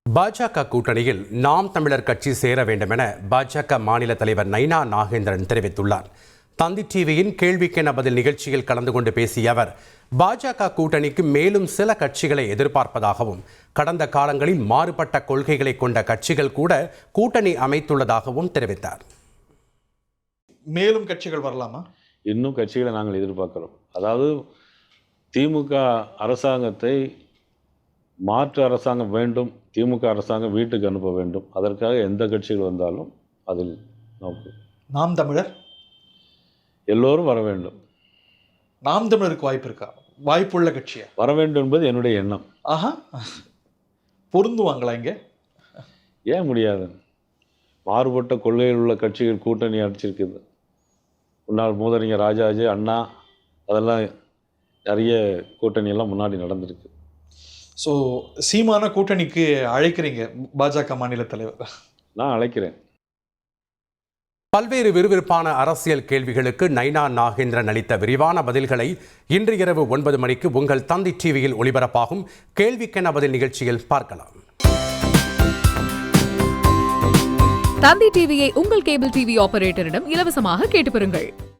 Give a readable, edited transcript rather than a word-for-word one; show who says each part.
Speaker 1: பாஜக கூட்டணியில் நாம் தமிழர் கட்சி சேர வேண்டும் என பாஜக மாநில தலைவர் நைனா நாகேந்திரன் தெரிவித்துள்ளார். தந்தி டிவியின் கேள்விக்கென பதில் நிகழ்ச்சியில் கலந்து கொண்டு பேசிய அவர், பாஜக கூட்டணிக்கு மேலும் சில கட்சிகளை எதிர்பார்ப்பதாகவும், கடந்த காலங்களில் மாறுபட்ட கொள்கைகளை கொண்ட கட்சிகள் கூட கூட்டணி அமைத்துள்ளதாகவும் தெரிவித்தார்.
Speaker 2: மேலும் கட்சிகள் வரலாமா?
Speaker 3: இன்னும் கட்சிகளை நாங்கள் எதிர்பார்க்கிறோம். அதாவது திமுக அரசாங்கத்தை மாற்று அரசாங்கம் வேண்டும், திமுக அரசாங்கம் வீட்டுக்கு அனுப்ப வேண்டும். அதற்காக எந்த கட்சிகள் வந்தாலும் அதில் நோக்கு.
Speaker 2: நாம் தமிழர்
Speaker 3: எல்லோரும் வர வேண்டும்.
Speaker 2: நாம் தமிழருக்கு வாய்ப்பு இருக்கா? வாய்ப்புள்ள கட்சியா?
Speaker 3: வர வேண்டும் என்பது என்னுடைய எண்ணம்.
Speaker 2: ஆஹா, பொருந்துவாங்களா இங்கே?
Speaker 3: ஏன் முடியாது? மாறுபட்ட கொள்கையில் உள்ள கட்சிகள் கூட்டணி அடிச்சிருக்குது. முன்னாள் மூதறிஞர் ராஜாஜி, அண்ணா, அதெல்லாம் நிறைய கூட்டணியெல்லாம் முன்னாடி நடந்திருக்கு.
Speaker 2: ஸோ சீமான கூட்டணிக்கு அழைக்கிறீங்க பாஜக மாநில தலைவர்?
Speaker 3: நான் அழைக்கிறேன்.
Speaker 1: பல்வேறு விறுவிறுப்பான அரசியல் கேள்விகளுக்கு நைனா நாகேந்திரன் அளித்த விரிவான பதில்களை இன்று இரவு 9 மணிக்கு உங்கள் தந்தி டிவியில் ஒளிபரப்பாகும் கேள்விக்கென பதில் நிகழ்ச்சியில் பார்க்கலாம்.
Speaker 4: தந்தி டிவியை உங்கள் கேபிள் டிவி ஆபரேட்டரிடம் இலவசமாக கேட்டு பெறுங்கள்.